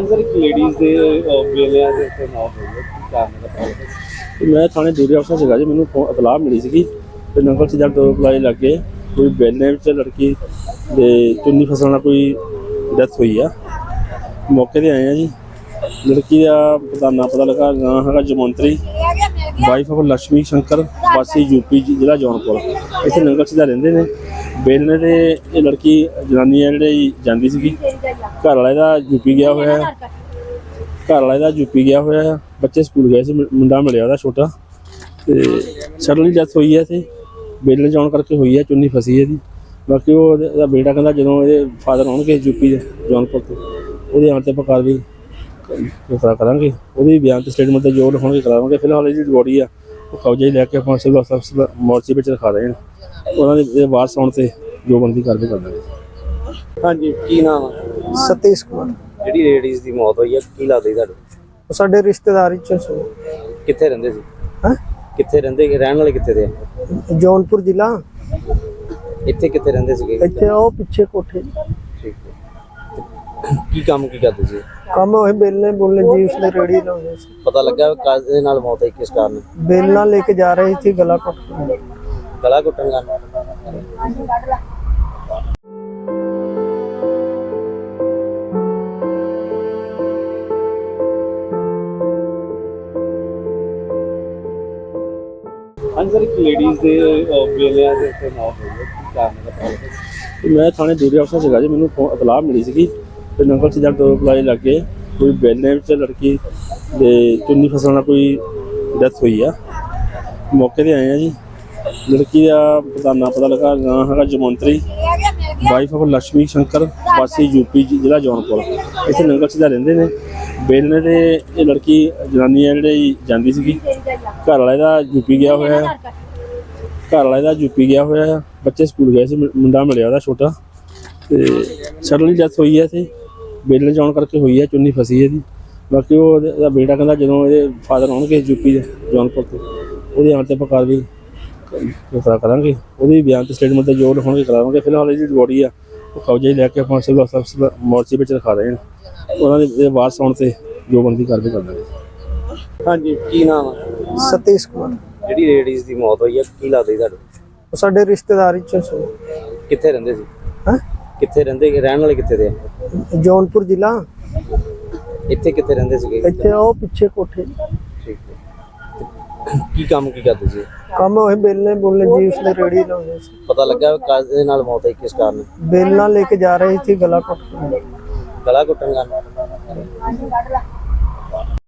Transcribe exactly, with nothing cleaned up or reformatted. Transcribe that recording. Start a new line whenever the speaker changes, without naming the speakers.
Sir एक ladies ਦੇ ਵੇਲਿਆਂ ਦੇ ਉੱਤੇ ਮੌਤ ਹੋਈ ਹੈ ਕੀ ਕਾਰਨ ਦਾ ਪਤਾ ਲੱਗਾ?
मैं थाने ड्यूटी अफसर ਸੀਗਾ जी। ਮੈਨੂੰ ਫੋ ਇਤਲਾਹ ਮਿਲੀ ਸੀਗੀ ਕਿ ਨੰਗਲ ਸਿੱਧਾ ਦੋ ਪਲਾਈ ਲੱਗੇ ਕੋਈ ਬੇਲੇ ਵਿੱਚ ਲੜਕੀ ਦੇ ਚੁੰਨੀ ਫਸਣ ਨਾਲ ਕੋਈ ਡੈਥ ਹੋਈ ਆ। ਮੌਕੇ ਤੇ ਆਏ ਆ ਜੀ। ਲੜਕੀ ਦਾ ਪਤਾ ਨਾ ਪਤਾ ਲੱਗਾ ਨਾਂ ਹੈਗਾ ਜਮੰਤਰੀ ਵਾਈਫ ਆਫ ਲక్ష్ਮੀ ਸ਼ੰਕਰ ਵਾਸੀ ਯੂਪੀ ਜ਼ਿਲ੍ਹਾ ਜੌਨਪੁਰ। ਇੱਥੇ ਨੰਗਲ ਸਿੱਧਾ ਰਹਿੰਦੇ ਨੇ। ਬੇਲਣੇ ਤੇ ਇਹ ਲੜਕੀ ਜਨਾਨੀ ਆ ਜਿਹੜੀ ਜਾਂਦੀ ਸੀਗੀ। ਘਰ ਵਾਲਾ ਇਹਦਾ ਯੂਪੀ ਗਿਆ ਹੋਇਆ ਹੈ। ਘਰ ਵਾਲਾ ਇਹਦਾ ਯੂਪੀ ਗਿਆ ਹੋਇਆ ਹੈ। ਬੱਚੇ ਸਕੂਲ ਗਏ ਸੀ। ਮੁੰਡਾ ਮਿਲਿਆ ਉਹਦਾ ਛੋਟਾ ਤੇ ਸਡਨਲੀ ਡੈਥ ਹੋਈ ਹੈ। ਇੱਥੇ ਬੇਲਣੇ ਜਾਣ ਕਰਕੇ ਹੋਈ ਹੈ। ਚੁੰਨੀ ਫਸੀ ਇਹਦੀ। ਬਾਕੀ ਉਹ ਇਹਦਾ ਬੇਟਾ ਕਹਿੰਦਾ ਜਦੋਂ ਇਹਦੇ ਫਾਦਰ ਆਉਣਗੇ ਯੂਪੀ ਦੇ ਜੌਨਪੁਰ ਤੋਂ ਉਹਦੇ ਆਉਣ 'ਤੇ ਆਪਾਂ ਕਾਰਵਾਈ ਕਰਾ ਕਰਾਂਗੇ। ਉਹਦੇ ਬਿਆਨ ਤੇ ਸਟੇਟਮੈਂਟ ਤੇ ਜੋ ਲਿਖਾਉਣਗੇ ਕਰਾਵਾਂਗੇ। ਫਿਲਹਾਲ ਇਹਦੀ ਬੋਡੀ ਆ ਉਹ ਕਬਜ਼ੇ ਲੈ ਕੇ ਆਪਾਂ ਸਿਵਲ ਹਸਪਤਾਲ ਮੋਰਚੇ ਵਿੱਚ ਰਖਾ ਰਹੇ ਹਾਂ। ਉਹਨਾਂ ਦੇ ਵਾਰਸ ਆਉਣ 'ਤੇ ਜੋ ਬਣਦੀ ਕਾਰਵਾਈ ਕਰ ਦਾਂਗੇ।
ਹਾਂਜੀ ਕੀ ਨਾਮ ਆ?
सतीश कुमार।
ਜਿਹੜੀ ਲੇਡੀਜ਼ ਦੀ ਮੌਤ ਹੋਈ ਹੈ ਕੀ ਲੱਗਦਾ ਤੁਹਾਨੂੰ?
ਸਾਡੇ ਰਿਸ਼ਤੇਦਾਰੀ ਚ ਸੀ।
ਕਿੱਥੇ ਰਹਿੰਦੇ ਸੀ?
ਹੈਂ?
ਕਿੱਥੇ ਰਹਿੰਦੇ ਰਹਿਣ ਵਾਲੇ ਕਿੱਥੇ ਦੇ ਆ?
ਜੌਨਪੁਰ ਜ਼ਿਲ੍ਹਾ।
ਇੱਥੇ ਕਿੱਥੇ ਰਹਿੰਦੇ ਸੀਗੇ?
ਇੱਥੇ ਉਹ ਪਿੱਛੇ ਕੋਠੇ
ਠੀਕ ਹੈ। ਕੀ ਕੰਮ ਕੀ ਕਰਦੇ ਸੀ?
ਕੰਮ ਹੋਏ ਬੇਲਣੇ ਬੋਲਣੇ ਜੀ ਉਸਨੇ ਰੇੜੀ ਲਾਉਂਦੇ ਸੀ।
ਪਤਾ ਲੱਗਾ ਕਾਜ ਦੇ ਨਾਲ ਮੌਤ ਹੋਈ ਕਿਸ ਕਾਰਨ?
ਬੇਲਣਾ ਲੈ ਕੇ ਜਾ ਰਹੀ ਸੀ ਗਲਾ ਘੁੱਟ ਕੇ।
ਗਲਾ ਘੁੱਟਣ ਕਾਰਨ? ਹਾਂਜੀ ਸਰ ਇੱਕ ਲੇਡੀਜ਼ ਦੇ ਵੇਲਿਆਂ ਦੇ ਉੱਤੇ ਮੌਤ ਹੋਈ ਹੈ ਕੀ ਕਾਰਨ ਦਾ ਪਤਾ ਲੱਗਾ?
ਮੈਂ ਥਾਣੇ ਡਿਊਟੀ ਅਫਸਰ ਸੀਗਾ ਜੀ। ਮੈਨੂੰ ਫੋ ਇਤਲਾਹ ਮਿਲੀ ਸੀਗੀ ਕਿ ਨੰਗਲ ਸਿੱਧਾ ਦੋ ਪਲਾਈ ਲੱਗੇ ਕੋਈ ਬੇਲੇ ਵਿੱਚ ਲੜਕੀ ਦੇ ਚੁੰਨੀ ਫਸਣ ਨਾਲ ਕੋਈ ਡੈਥ ਹੋਈ ਆ। ਮੌਕੇ ਤੇ ਆਏ ਆ ਜੀ। ਲੜਕੀ ਦਾ ਪਤਾ ਨਾ ਪਤਾ ਲੱਗਾ ਨਾਂ ਹੈਗਾ ਜਮੰਤਰੀ ਵਾਈਫ ਆਫ ਲక్ష్ਮੀ ਸ਼ੰਕਰ ਵਾਸੀ ਯੂਪੀ ਜ਼ਿਲ੍ਹਾ ਜੌਨਪੁਰ। ਇੱਥੇ ਨੰਗਲ ਸਿੱਧਾ ਰਹਿੰਦੇ ਨੇ। ਬੇਲਣੇ ਤੇ ਇਹ ਲੜਕੀ ਜਨਾਨੀ ਆ ਜਿਹੜੀ ਜਾਂਦੀ ਸੀਗੀ। ਘਰ ਵਾਲਾ ਇਹਦਾ ਯੂਪੀ ਗਿਆ ਹੋਇਆ ਹੈ। ਘਰ ਵਾਲਾ ਇਹਦਾ ਯੂਪੀ ਗਿਆ ਹੋਇਆ ਹੈ। ਬੱਚੇ ਸਕੂਲ ਗਏ ਸੀ। ਮੁੰਡਾ ਮਿਲਿਆ ਉਹਦਾ ਛੋਟਾ ਤੇ ਸਡਨਲੀ ਡੈਥ ਹੋਈ ਹੈ। ਇੱਥੇ ਬੇਲਣੇ ਜਾਣ ਕਰਕੇ ਹੋਈ ਹੈ। ਚੁੰਨੀ ਫਸੀ ਇਹਦੀ। ਬਾਕੀ ਉਹ ਇਹਦਾ ਬੇਟਾ ਕਹਿੰਦਾ ਜਦੋਂ ਇਹਦੇ ਫਾਦਰ ਆਉਣਗੇ ਯੂਪੀ ਦੇ ਜੌਨਪੁਰ ਤੋਂ ਉਹਦੇ ਆਉਣ 'ਤੇ ਆਪਾਂ ਕਾਰਵਾਈ ਕਰਾ ਕਰਾਂਗੇ। ਉਹਦੇ ਬਿਆਨ ਤੇ ਸਟੇਟਮੈਂਟ ਤੇ ਜੋ ਲਿਖਾਉਣਗੇ ਕਰਾਵਾਂਗੇ। ਫਿਲਹਾਲ ਇਹਦੀ ਬੋਡੀ ਆ ਉਹ ਕਬਜ਼ੇ ਲੈ ਕੇ ਆਪਾਂ ਸਿਵਲ ਹਸਪਤਾਲ ਮੋਰਚੇ ਵਿੱਚ ਰਖਾ ਰਹੇ ਹਾਂ। ਉਹਨਾਂ ਦੇ ਵਾਰਸ ਆਉਣ 'ਤੇ ਜੋ ਬਣਦੀ ਕਾਰਵਾਈ ਕਰ ਦਾਂਗੇ।
ਹਾਂਜੀ ਕੀ ਨਾਮ ਆ?
ਸਤੀਸ਼ ਕੁਮਾਰ।
ਜਿਹੜੀ ਲੇਡੀਜ਼ ਦੀ ਮੌਤ ਹੋਈ ਹੈ ਕੀ ਲੱਗਦਾ ਤੁਹਾਨੂੰ?
ਸਾਡੇ ਰਿਸ਼ਤੇਦਾਰੀ ਚ ਸੀ।
ਕਿੱਥੇ ਰਹਿੰਦੇ ਸੀ?
ਹੈਂ?
ਕਿੱਥੇ ਰਹਿੰਦੇ ਰਹਿਣ ਵਾਲੇ ਕਿੱਥੇ ਦੇ ਆ?
ਜੌਨਪੁਰ ਜ਼ਿਲ੍ਹਾ।
ਇੱਥੇ ਕਿੱਥੇ ਰਹਿੰਦੇ ਸੀਗੇ?
ਇੱਥੇ ਉਹ ਪਿੱਛੇ ਕੋਠੇ
ਠੀਕ ਹੈ। ਕੀ ਕੰਮ ਕੀ ਕਰਦੇ ਸੀ?
ਕੰਮ ਹੋਏ ਬੇਲਣੇ ਬੋਲਣੇ ਜੀ ਉਸਨੇ ਰੇੜੀ ਲਾਉਂਦੇ ਸੀ।
ਪਤਾ ਲੱਗਾ ਕਾਜ ਦੇ ਨਾਲ ਮੌਤ ਹੋਈ ਕਿਸ ਕਾਰਨ?
ਬੇਲਣਾ ਲੈ ਕੇ ਜਾ ਰਹੀ ਸੀ ਗਲਾ ਘੁੱਟ ਕੇ।
ਗਲਾ ਘੁੱਟਣ ਕਾਰਨ?